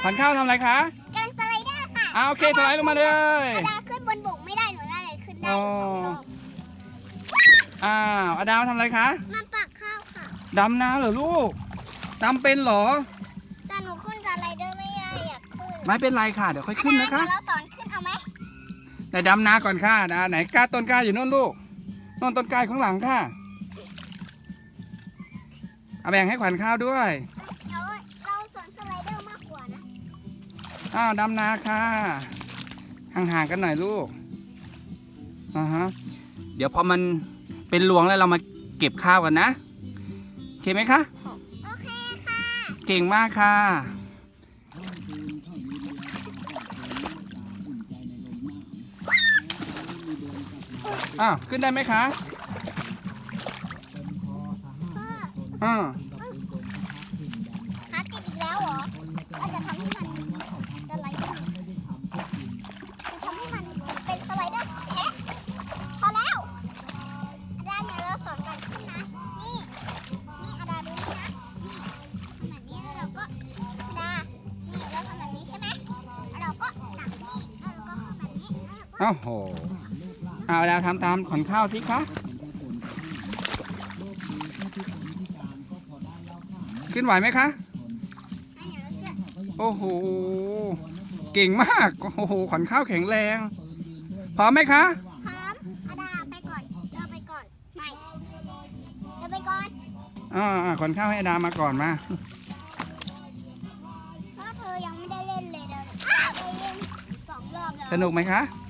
ขวัญข้าวทำอะไรคะกำลังสไลเดอร์ค่ะโอเคสไลด์ลงมาเลยอาดาขึ้นบนบกไม่ได้หนูน่าเลยขึ้นได้2 รอบอดาวทำอะไรคะมาปักข้าวค่ะดำน้ำเหรอลูกดำเป็นเหรอแต่หนูขึ้นสไลเดอร์ไม่ได้อยากขึ้นไม่เป็นไรค่ะเดี๋ยวค่อยขึ้นนะคะเดี๋ยวเราสอนขึ้นเอาไหมแต่ดำนาก่อนค่ะไหนกล้าต้นกล้าอยู่โน่นลูกโน่นต้นกล้าข้างหลังค่ะเอาแบ่งให้ขวัญข้าวด้วยเราสอนสไลเดอร์มากกว่านะดำนาค่ะห่างๆกันหน่อยลูกเดี๋ยวพอมันเป็นรวงแล้วเรามาเก็บข้าวกันนะโอเคไหมคะโอเคค่ะเก่งมากค่ะขึ้นได้ไหมคะขาติดอีกแล้วเหรอเราจะทำให้มันสไลเดอร์จะทำให้มันเป็นสไลเดอร์พอแล้วอาดาเนี่ยเราสอนกันขึ้นนะนี่อาดาดูนี่นะนี่ทำแบบนี้แล้วเราก็อาดานี่เราทำแบบนี้ใช่ไหมแล้วเราก็ตักนี่แล้วเราก็ทำแบบนี้โอ้โหแล้วทำตามขวัญข้าวสิคะขึ้นไหวไหมคะโอ้โหเก่งมากโอ้โหขวัญข้าวแข็งแรงพร้อมไหมคะพร้อมอาดาไปก่อนเราไปก่อนไม่เราไปก่อนขวัญข้าวให้อาดามาก่อนมาเพราะเธอยังไม่ได้เล่นเลยเดี๋ยวได้เล่น2 รอบแล้วสนุกไหมคะ